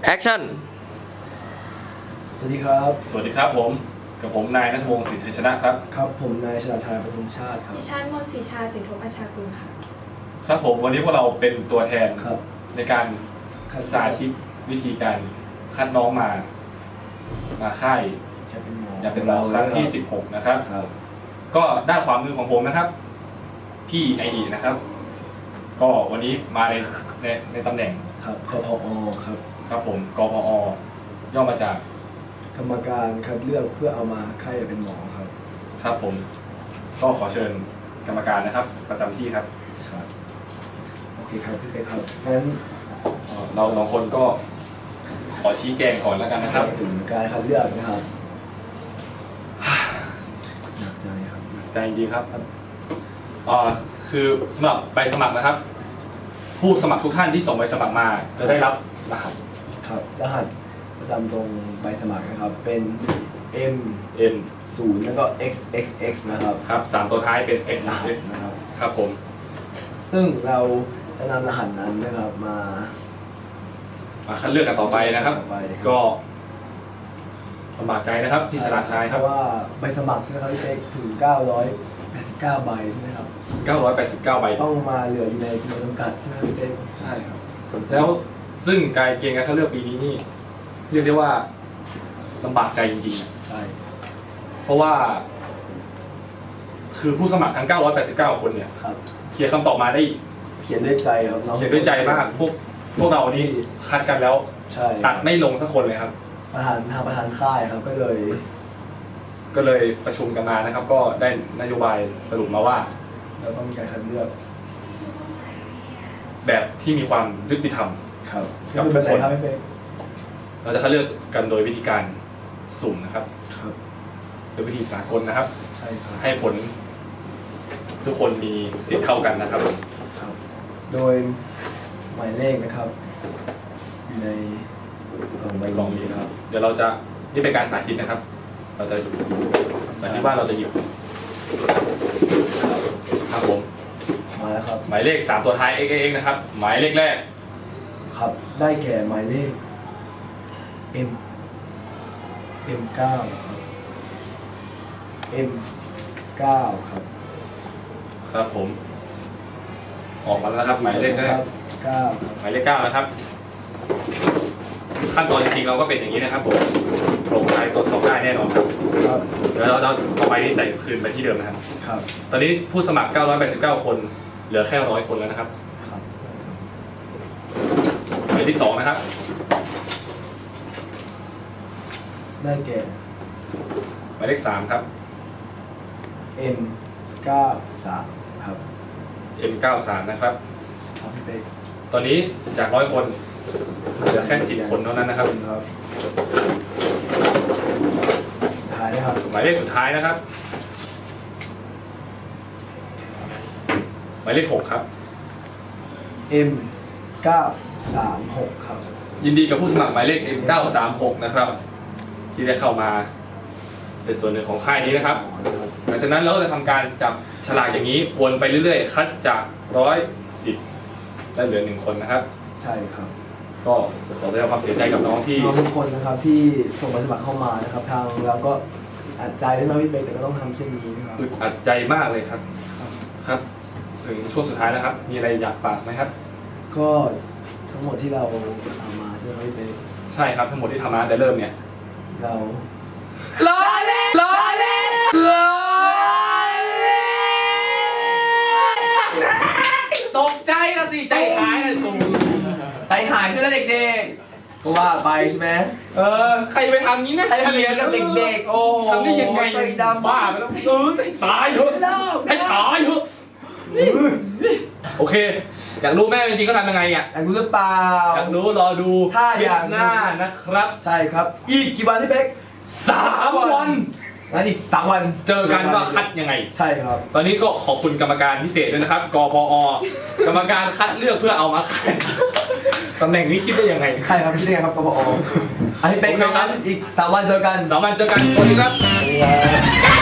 แอคชั่นสวัสดีครับสวัสดีครับผมกับผมนายณัฐวงศ์ศรีชัยชนะครับครับผมนายชลาชัยปทุมชาติครับดิฉันมนต์ศรีชาสินทบอาชากุลค่ะครับผมวันนี้พวกเราเป็นตัวแทนในการสาธิตวิธีการคัดน้องมาค่ายอยากเป็นหมอครั้งที่16นะครับก็ด้านขวามือของผมนะครับพี่ไออีนะครับก็วันนี้มาในตำแหน่งครับกพอครับครับผมกพอย่อมาจากกรรมการคัดเลือกเพื่อเอามาค่ายเป็นหมอครับครับผมก็ขอเชิญกรรมการนะครับประจำที่ครับครับโอเคครับพี่เป๊กครับงั้นเราสองคนก็ขอชี้แจงก่อนแล้วกันนะครับถึงการคัดเลือกนะครับหนักใจครับใจจริงครับคือสำหรับใบสมัครนะครับผู้สมัครทุกท่านที่ส่งใบสมัครมาจะได้รับรหัสครับรหัสประจำตรงใบสมัครนะครับเป็น M 0แล้วก็ XXX นะครับครับ3ตัวท้ายเป็น XXX นะครับครับผมซึ่งเราจะนำรหัสนั้นนะครับมาคัดเลือกกันต่อไปนะครับก็ลำบากใจนะครับที่ชลาชัยครับเพราะว่าใบสมัครใช่ไหมครับพี่เป๊กถึง989ใบใช่ไหมครับ 989ใบต้องมาเหลืออยู่ในจำนวนจำกัดใช่ไหมพี่เป๊กใช่ครับแล้วซึ่งการเกณฑ์การคัดเลือกปีนี้นี่เรียกได้ว่าลำบากใจจริงๆใช่เพราะว่าคือผู้สมัครทั้ง989คนเนี่ยเขียนคำตอบมาได้เขียนด้วยใจครับเขียนด้วยใจมากพวกเรานี่คัดกันแล้วตัดไม่ลงสักคนเลยครับประธานค่ายครับก็เลยประชุมกันมานะครับก็ได้นโยบายสรุปมาว่าเราต้องมีการคัดเลือกแบบที่มีความยุติธรรมครับกับทุกคนเราจะคัดเลือกกันโดยวิธีการสุ่มนะครับโดยวิธีสากลนะครับใช่ครับให้ผลทุกคนมีสิทธิ์เท่ากันนะครับโดยหมายเลขนะครับอยู่ในกล่องนี้นะครับเดี๋ยวเราจะนี่เป็นการสาธิตนะครับเราจะสาธิตว่าเราจะหยิบครับผมมาแล้วครับหมายเลข3ตัวท้าย XXX นะครับหมายเลขแรกครับได้แก่หมายเลข M9 ครับ M9 ครับครับผมออกมาแล้วครับหมายเลขแรกหมายเลข9นะครับขั้นตอนจริงๆเราก็เป็นอย่างนี้นะครับผมโปร่งใสตรวจสอบได้แน่นอนครับแล้วเราต่อไปนี้ใส่คืนไปที่เดิมนะครับตอนนี้ผู้สมัคร989คนเหลือแค่100คนแล้วนะครับหมายที่2นะครับได้แก่หมายเลข3ครับ M93 ครับ M93 นะครับตอนนี้จาก100คนเหลือแค่10คนเท่านั้นนะครับสุดท้ายนะครับหมายเลขสุดท้ายนะครับหมายเลข6ครับ M936 ครับยินดีกับผู้สมัครหมายเลข M936 นะครับที่ได้เข้ามาเป็นส่วนหนึ่งของค่ายนี้นะครับหลังจากนั้นเราก็จะทำการจับฉลากอย่างนี้วนไปเรื่อยๆคัดจาก110และเหลือ1คนนะครับใช่ครับก็ขอแสดงความเสียใจกับน้องที่ทุกคนนะครับที่ส่งใบสมัครเข้ามานะครับทางเราก็อัดใจได้มาพี่เบกแต่ก็ต้องทำเช่นนี้นะครับอัดใจมากเลยครับครับถึงช่วงสุดท้ายแล้วครับมีอะไรอยากฝากไหมครับก็ทั้งหมดที่เราทำมาใช่ไหมพี่เบกใช่ครับทั้งหมดที่ทำมาแต่เริ่มเนี่ยเราล้อเล่นล้อเล่นล้อเล่นตกใจละสิใจหายเลยตูใจหายใช่ไหมเด็กๆก็ว่าไปใช่ไหมใครไปทำนี้นะใครทำอย่างนี้กับเด็กๆโอ้ทำได้ยังไงใจดำบ้าไปแล้วตายเถอะให้ตายเถอะโอเคอยากรู้แม่จริงๆก็ทำยังไงอ่ะอยากรู้หรือเปล่าอยากรู้รอดูถ้าอยากหน้านะครับใช่ครับอีกกี่วันพี่เป๊ก 3 วันงั้นอีก3 วันเจอกันว่าคัดยังไงใช่ครับตอนนี้ก็ขอบคุณกรรมการพิเศษด้วยนะครับกพกรรมการคัดเลือกเพื่อเอามาขายตำแหน่งนี้คิดได้ยังไงใช่ครับคิดได้ครับกพอันนี้เป็นงั้นอีก3 วันเจอกัน 3 วันเจอกันสวัสดีครับ